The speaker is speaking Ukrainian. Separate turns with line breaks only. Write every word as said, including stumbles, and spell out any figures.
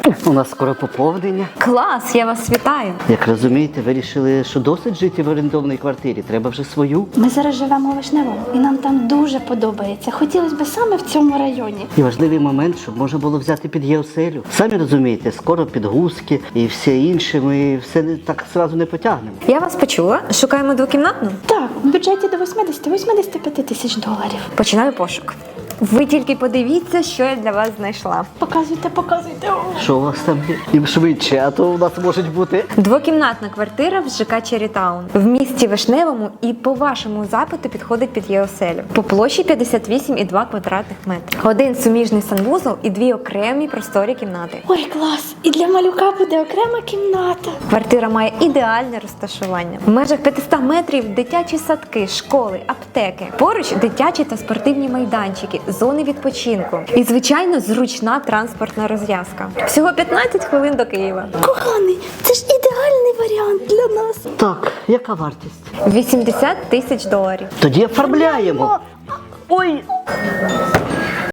У нас скоро поповнення.
Клас, я вас вітаю.
Як розумієте, вирішили, що досить жити в орендованій квартирі, треба вже свою.
Ми зараз живемо у Вишневому, і нам там дуже подобається. Хотілося б саме в цьому районі.
І важливий момент, щоб можна було взяти під єоселю. Самі розумієте, скоро підгузки і все інше, ми все не так зразу не потягнемо.
Я вас почула. Шукаємо двокімнатну?
Так, в бюджеті до вісімдесят-вісімдесят п'ять тисяч доларів.
Починаю пошук. Ви тільки подивіться, що я для вас знайшла.
Показуйте, показуйте. О.
Що у вас там є? І швидше, а то у нас можуть бути.
Двокімнатна квартира в ЖК Черрітаун. В місті Вишневому і по вашому запиту підходить під єоселю. По площі п'ятдесят вісім і два квадратних метри. Один суміжний санвузол і дві окремі просторі кімнати.
Ой, клас! І для малюка буде окрема кімната.
Квартира має ідеальне розташування. В межах п'ятсот метрів дитячі садки, школи, аптеки. Поруч дитячі та спортивні майданчики, зони відпочинку. І, звичайно, зручна транспортна розв'язка. Всього п'ятнадцять хвилин до Києва.
Коханий, це ж ідеальний варіант для нас.
Так, яка вартість?
вісімдесят тисяч доларів.
Тоді оформляємо. Ой!